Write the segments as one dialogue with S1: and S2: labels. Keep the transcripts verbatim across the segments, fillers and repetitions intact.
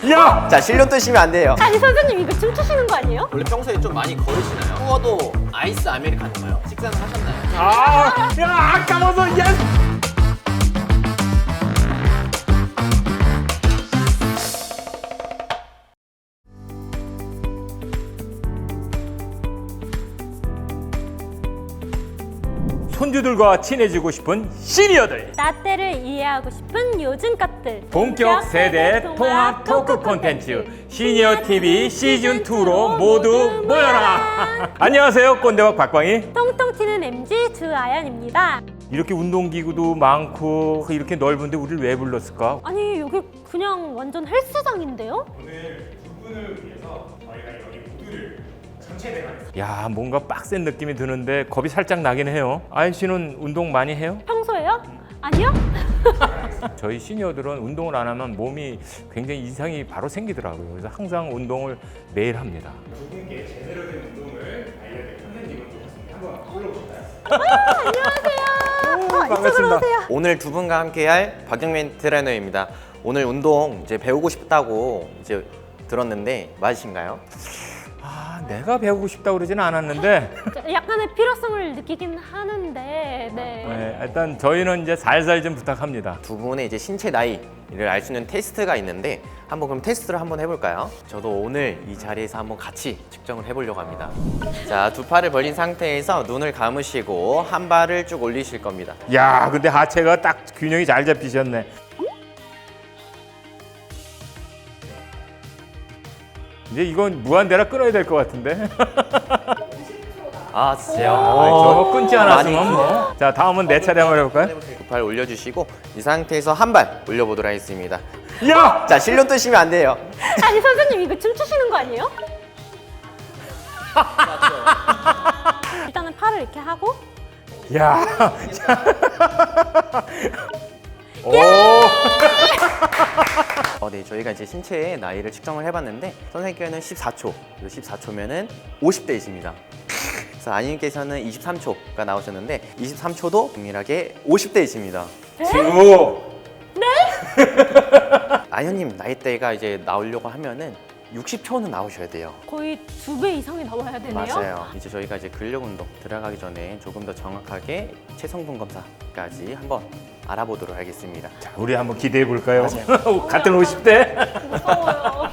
S1: 야!
S2: 자, 실력 뜨시면 안 돼요.
S3: 아니 선생님 이거 춤추시는 거 아니에요?
S2: 원래 평소에 좀 많이 걸으시나요? 추워도 아이스 아메리카노인가요? 식사는 하셨나요?
S1: 아, 야, 아까워서 야! 손주들과 친해지고 싶은 시니어들.
S3: 라떼를 이해하고 싶은 요즘 것들.
S1: 본격 세대 통합 토크 콘텐츠 시니어 티비 시즌 이로 모두 모여라. 안녕하세요, 꼰대박 박광희.
S3: 통통 튀는 엠지 주아연입니다.
S1: 이렇게 운동기구도 많고 이렇게 넓은데 우리를 왜 불렀을까?
S3: 아니 여기 그냥 완전 헬스장인데요?
S4: 오늘 두 분을 위해서 저희가 여기 모두를 전체 대회하겠습니다.
S1: 야, 뭔가 빡센 느낌이 드는데 겁이 살짝 나긴 해요. 아연 씨는 운동 많이 해요?
S3: 평소에요? 아니요?
S1: 저희 시니어들은 운동을 안 하면 몸이 굉장히 이상이 바로 생기더라고요. 그래서 항상 운동을 매일 합니다.
S4: 두 분께 제대로 된 운동을 알려드릴 선생님을 모셨습니다. 한번 불러보실까요?
S3: 안녕하세요.
S1: 반갑습니다.
S2: 오늘 두 분과 함께할 박영민 트레이너입니다. 오늘 운동 이제 배우고 싶다고 이제 들었는데 맞으신가요?
S1: 아, 내가 배우고 싶다고 그러지는 않았는데
S3: 약간의 필요성을 느끼긴 하는데 네.
S1: 네, 일단 저희는 이제 살살 좀 부탁합니다.
S2: 두 분의 이제 신체 나이를 알 수 있는 테스트가 있는데 한번 그럼 테스트를 한번 해볼까요? 저도 오늘 이 자리에서 한번 같이 측정을 해보려고 합니다. 자, 두 팔을 벌린 상태에서 눈을 감으시고 한 발을 쭉 올리실 겁니다.
S1: 야, 근데 하체가 딱 균형이 잘 잡히셨네. 이제 이건 무한대라 끊어야 될 것 같은데.
S2: 아, 진짜요?
S1: 어, 저거 끊지 않았으면
S2: 많이
S1: 뭐. 자, 다음은 내 차례 한번 해볼까요?
S2: 두 팔 올려주시고 이 상태에서 한 발 올려보도록 하겠습니다.
S1: 야!
S2: 자, 실력 뜨시면 안 돼요.
S3: 아니 선생님 이거 춤추시는 거 아니에요? 일단은 팔을 이렇게 하고
S1: 야! 오!
S2: 어, 네, 저희가 이제 신체의 나이를 측정을 해봤는데 선생님께는 십사 초, 그리고 십사 초면은 오십 대이십니다. 그래서 아님께서는 이십삼 초가 나오셨는데 이십삼 초도 동일하게 오십 대이십니다.
S1: 친구!
S2: 아현님 나이대가 이제 나오려고 하면은 육십 초는 나오셔야 돼요.
S3: 거의 두 배 이상이 나와야 되네요.
S2: 맞아요. 이제 저희가 이제 근력 운동 들어가기 전에 조금 더 정확하게 체성분 검사까지 한번 알아보도록 하겠습니다.
S1: 자, 우리 한번 기대해 볼까요? 같은 오십 대?
S3: 무서워요.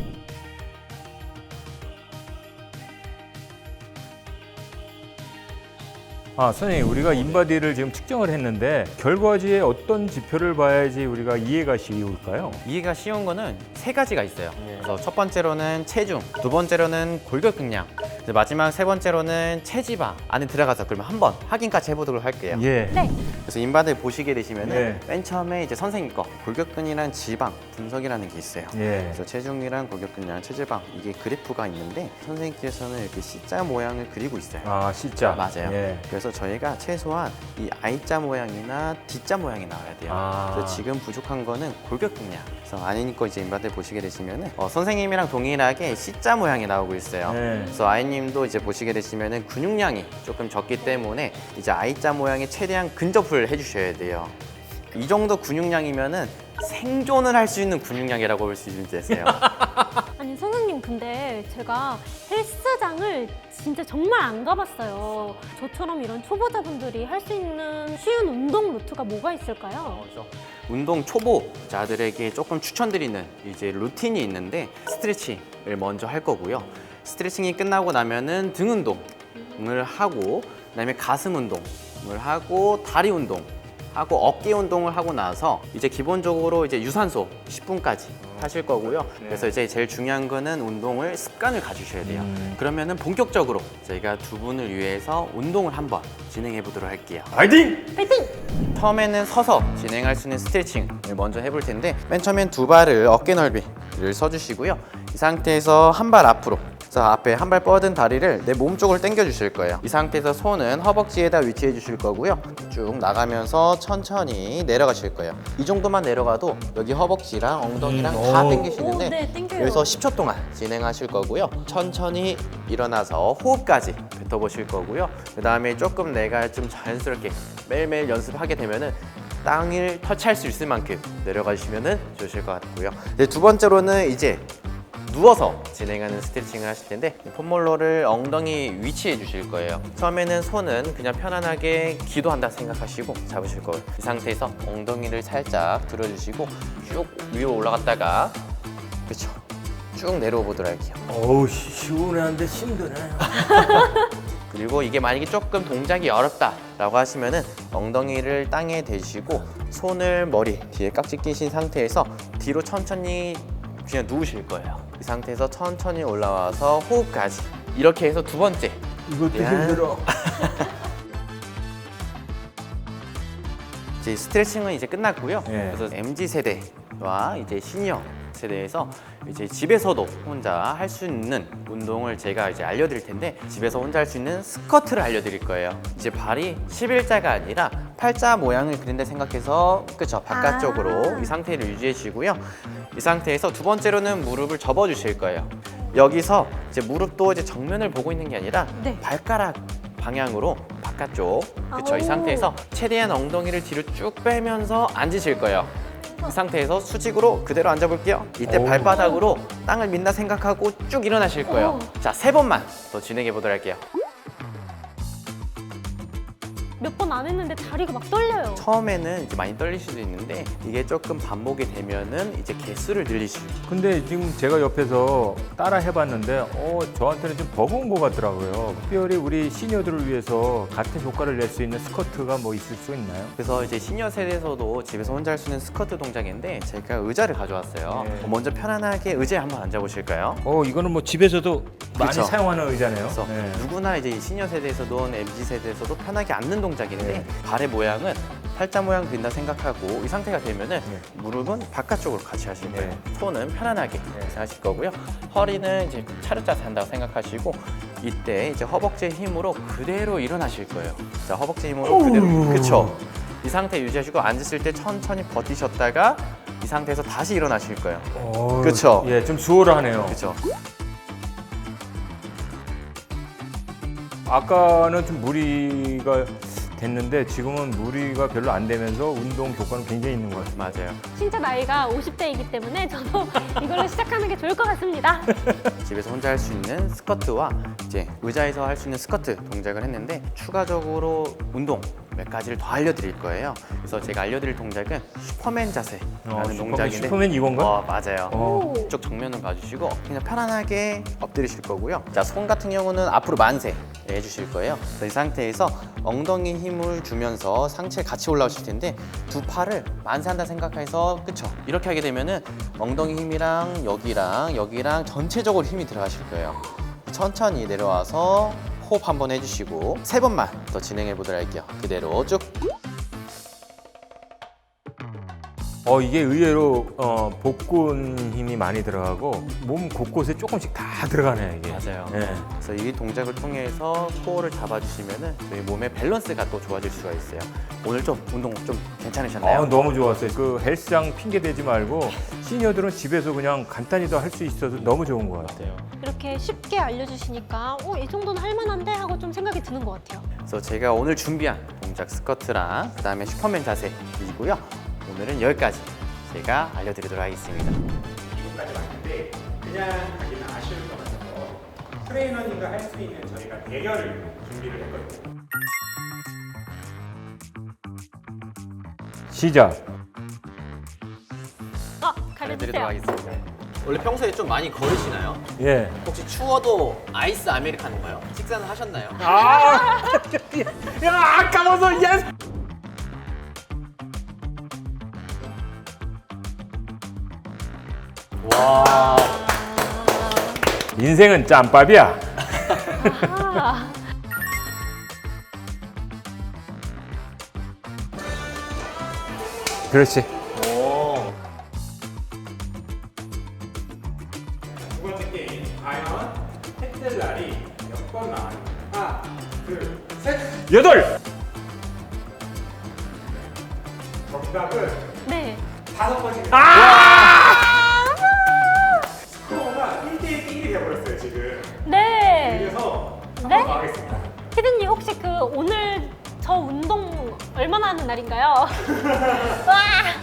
S1: 아, 선생님, 우리가 인바디를 지금 측정을 했는데 결과지에 어떤 지표를 봐야지 우리가 이해가 쉬울까요?
S2: 이해가 쉬운 거는 세 가지가 있어요. 그래서 첫 번째로는 체중, 두 번째로는 골격 근량, 이제 마지막 세 번째로는 체지방 안에 들어가서 그러면 한번 확인까지 해보도록 할게요.
S1: 예.
S3: 네.
S2: 그래서 인바디 보시게 되시면은
S1: 네.
S2: 맨 처음에 이제 선생님 거 골격근이랑 지방 분석이라는 게 있어요.
S1: 예.
S2: 그래서 체중이랑 골격근량, 체지방 이게 그래프가 있는데 선생님께서는 이렇게 C자 모양을 그리고 있어요.
S1: 아, 진짜.
S2: 맞아요.
S1: 예.
S2: 그래서 저희가 최소한 이 I자 모양이나 D자 모양이 나와야 돼요.
S1: 아.
S2: 그래서 지금 부족한 거는 골격근량. 그래서 아이님 거 이제 인바디 보시게 되시면은 어, 선생님이랑 동일하게 C자 모양이 나오고 있어요.
S1: 네.
S2: 그래서 아이님도 이제 보시게 되시면은 근육량이 조금 적기 때문에 이제 I자 모양에 최대한 근접을 해주셔야 돼요. 이 정도 근육량이면은 생존을 할 수 있는 근육량이라고 볼 수 있으세요.
S3: 아니 선생님 근데 제가 헬스장을 진짜 정말 안 가봤어요. 저처럼 이런 초보자분들이 할 수 있는 쉬운 운동 루트가 뭐가 있을까요?
S2: 운동 초보자들에게 조금 추천드리는 이제 루틴이 있는데 스트레칭을 먼저 할 거고요. 스트레칭이 끝나고 나면은 등 운동을 하고 그다음에 가슴 운동을 하고 다리 운동 하고 어깨 운동을 하고 나서 이제 기본적으로 이제 유산소 십 분까지 하실 거고요. 그래서 이제 제일 중요한 거는 운동을 습관을 가지셔야 돼요.
S1: 음.
S2: 그러면은 본격적으로 저희가 두 분을 위해서 운동을 한번 진행해 보도록 할게요.
S1: 파이팅!
S3: 파이팅!
S2: 처음에는 서서 진행할 수 있는 스트레칭을 먼저 해볼 텐데 맨 처음엔 두 발을 어깨 넓이를 써주시고요. 이 상태에서 한 발 앞으로 그래서 앞에 한 발 뻗은 다리를 내 몸 쪽으로 당겨 주실 거예요. 이 상태에서 손은 허벅지에다 위치해 주실 거고요. 쭉 나가면서 천천히 내려가실 거예요. 이 정도만 내려가도 여기 허벅지랑 엉덩이랑
S1: 음,
S2: 다
S1: 오.
S2: 당기시는데
S3: 오, 네, 당겨요.
S2: 여기서 십 초 동안 진행하실 거고요. 천천히 일어나서 호흡까지 뱉어보실 거고요. 그 다음에 조금 내가 좀 자연스럽게 매일매일 연습하게 되면은 땅을 터치할 수 있을 만큼 내려가 주시면 좋으실 것 같고요. 네, 두 번째로는 이제 누워서 진행하는 스트레칭을 하실 텐데 폼롤러를 엉덩이 위치해 주실 거예요. 처음에는 손은 그냥 편안하게 기도한다 생각하시고 잡으실 거예요. 이 상태에서 엉덩이를 살짝 들어주시고 쭉 위로 올라갔다가 그렇죠. 쭉 내려오 보도록 할게요.
S1: 어우 시- 시원한데 힘드네.
S2: 그리고 이게 만약에 조금 동작이 어렵다라고 하시면은 엉덩이를 땅에 대시고 손을 머리 뒤에 깍지 끼신 상태에서 뒤로 천천히 그냥 누우실 거예요. 이 상태에서 천천히 올라와서 호흡까지 이렇게 해서 두 번째
S1: 이것도
S2: 야.
S1: 힘들어.
S2: 이제 스트레칭은 이제 끝났고요.
S1: 예.
S2: 그래서 엠지 세대와 이제 시니어 세대에서 이제 집에서도 혼자 할 수 있는 운동을 제가 이제 알려드릴 텐데 집에서 혼자 할 수 있는 스쿼트를 알려드릴 거예요. 이제 발이 십일자가 아니라 팔자 모양을 그린다 생각해서 그쵸 바깥쪽으로
S3: 아.
S2: 이 상태를 유지해 주시고요. 이 상태에서 두 번째로는 무릎을 접어 주실 거예요. 여기서 이제 무릎도 이제 정면을 보고 있는 게 아니라
S3: 네.
S2: 발가락 방향으로 바깥쪽 그쵸 이
S3: 아오.
S2: 상태에서 최대한 엉덩이를 뒤로 쭉 빼면서 앉으실 거예요. 이 상태에서 수직으로 그대로 앉아볼게요. 이때
S1: 오.
S2: 발바닥으로 땅을 민다 생각하고 쭉 일어나실 거예요.
S3: 오.
S2: 자, 세 번만 더 진행해 보도록 할게요.
S3: 몇 번 안 했는데 다리가 막 떨려요.
S2: 처음에는 이제 많이 떨릴 수도 있는데 이게 조금 반복이 되면은 이제 개수를 늘리시고
S1: 근데 지금 제가 옆에서 따라 해봤는데 어 저한테는 좀 버거운 것 같더라고요. 특별히 우리 시니어들을 위해서 같은 효과를 낼 수 있는 스쿼트가 뭐 있을 수 있나요?
S2: 그래서 이제 시니어 세대에서도 집에서 혼자 할 수 있는 스쿼트 동작인데 제가 의자를 가져왔어요.
S1: 네.
S2: 먼저 편안하게 의자에 한번 앉아보실까요?
S1: 어 이거는 뭐 집에서도 많이
S2: 그쵸.
S1: 사용하는 의자네요.
S2: 그래서
S1: 네.
S2: 누구나 이제 시니어 세대에서도 엠지 세대에서도 편하게 앉는 동작인데
S1: 네.
S2: 발의 모양은 팔자 모양 그린다 생각하고 이 상태가 되면은
S1: 네.
S2: 무릎은 바깥쪽으로 같이 하실 거예요.
S1: 네.
S2: 손은 편안하게 하실 거고요. 허리는 이제 차렷자세 한다고 생각하시고 이때 이제 허벅지의 힘으로 그대로 일어나실 거예요. 자, 허벅지 힘으로 그대로 그쵸? 이 상태 유지하시고 앉으실 때 천천히 버티셨다가 이 상태에서 다시 일어나실 거예요.
S1: 어,
S2: 그쵸?
S1: 예, 좀 수월하네요.
S2: 그쵸?
S1: 아까는 좀 무리가 됐는데 지금은 무리가 별로 안 되면서 운동 효과는 굉장히 있는 것 같아요.
S2: 맞아요.
S3: 진짜 나이가 오십 대이기 때문에 저도 이걸로 시작하는 게 좋을 것 같습니다.
S2: 집에서 혼자 할 수 있는 스쿼트와 이제 의자에서 할 수 있는 스쿼트 동작을 했는데 추가적으로 운동 몇 가지를 더 알려드릴 거예요. 그래서 제가 알려드릴 동작은 슈퍼맨 자세라는
S1: 어, 슈퍼맨,
S2: 동작인데
S1: 슈퍼맨 이건가?
S2: 어, 맞아요.
S1: 어.
S3: 오.
S2: 이쪽 정면을 봐주시고 그냥 편안하게 엎드리실 거고요. 자, 손 같은 경우는 앞으로 만세 해주실 거예요. 그래서 이 상태에서 엉덩이 힘을 주면서 상체 같이 올라오실 텐데 두 팔을 만세한다 생각해서 그쵸? 이렇게 하게 되면은 엉덩이 힘이랑 여기랑 여기랑 전체적으로 힘이 들어가실 거예요. 천천히 내려와서 호흡 한번 해주시고 세 번만 더 진행해 보도록 할게요. 그대로 쭉.
S1: 어 이게 의외로 어, 복근 힘이 많이 들어가고 몸 곳곳에 조금씩 다 들어가네요 이게.
S2: 맞아요.
S1: 예.
S2: 그래서 이 동작을 통해서 코어를 잡아주시면은 저희 몸의 밸런스가 또 좋아질 수가 있어요. 오늘 좀 운동 좀 괜찮으셨나요?
S1: 아, 너무 좋았어요. 그 헬스장 핑계 대지 말고 시니어들은 집에서 그냥 간단히도 할 수 있어서 너무 좋은 것 같아요.
S3: 이렇게 쉽게 알려주시니까 어, 이 정도는 할만한데? 하고 좀 생각이 드는 것 같아요.
S2: 그래서 제가 오늘 준비한 동작 스쿼트랑 그 다음에 슈퍼맨 자세이고요. 오늘은 여기까지 제가 알려드리도록 하겠습니다.
S4: 지금까지 왔는데 그냥 가기는 아쉬울 것 같아서 트레이너님과 할 수 있는 저희가 대결을 준비를 했거든요.
S1: 시작.
S3: 어,
S2: 알려드리도록
S3: 가려주세요.
S2: 하겠습니다. 원래 평소에 좀 많이 걸으시나요?
S1: 예.
S2: 혹시 추워도 아이스 아메리카노인가요? 식사는 하셨나요?
S1: 아, 야 아까워서 예스.
S2: 와.
S1: 인생은 짬밥이야.
S3: 아,
S1: 그렇지.
S2: 오.
S4: 두 번째 게임 과연 햇들 날이 몇 번 나왔는지 하나, 둘, 셋!
S1: 여덟.
S4: 정답은
S3: 네.
S4: 다섯 번입니다. 아! 스코어가 일 대 일이 돼버렸어요 지금.
S3: 네.
S4: 그래서
S3: 네?
S4: 한번 더 하겠습니다.
S3: 피디님 혹시 그 오늘 저 운동 얼마나 하는 날인지 말인가요? 와!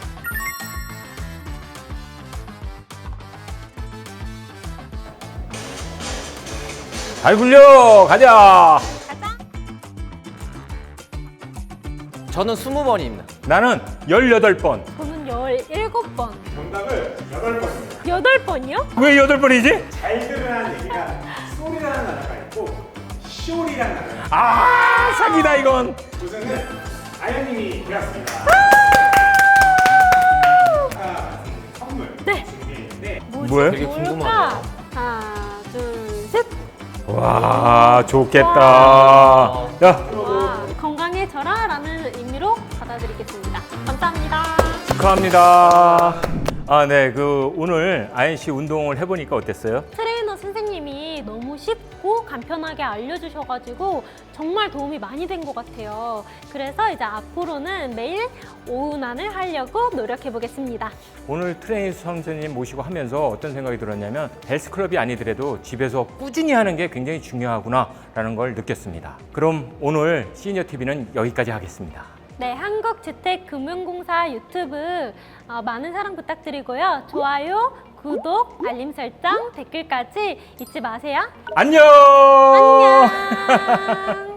S1: 잘 굴려 가자.
S3: 가자.
S2: 저는 스무 번입니다.
S1: 나는 열여덟 번.
S3: 저는 열일곱 번.
S4: 정답은 여덟 번입니다.
S3: 여덟 번이요?
S1: 왜 여덟 번이지?
S4: 잘 들으라는 얘기가 소리라는 단어가 있고 쇼리라는 단어가 있고
S1: 아 사기다 이건.
S4: 우선은 아연님이 되었습니다. 아까 선물
S3: 네.
S4: 준비했는데
S3: 뭐지?
S1: 뭐예요?
S2: 되게
S3: 뭘까?
S2: 궁금하네요.
S3: 하나, 둘, 셋.
S1: 와 좋겠다. 야
S3: 와, 건강해져라 라는 의미로 받아드리겠습니다. 감사합니다.
S1: 축하합니다. 아, 네. 그 오늘 아연 씨 운동을 해보니까 어땠어요?
S3: 트레이너 선생님이 너무 쉽고 간편하게 알려주셔가지고 정말 도움이 많이 된 것 같아요. 그래서 이제 앞으로는 매일 오운환을 하려고 노력해 보겠습니다.
S1: 오늘 트레이너 선생님 모시고 하면서 어떤 생각이 들었냐면 헬스클럽이 아니더라도 집에서 꾸준히 하는 게 굉장히 중요하구나라는 걸 느꼈습니다. 그럼 오늘 시니어티비는 여기까지 하겠습니다.
S3: 네, 한국주택금융공사 유튜브 어, 많은 사랑 부탁드리고요. 좋아요, 구독, 알림 설정, 댓글까지 잊지 마세요.
S1: 안녕!
S3: 안녕!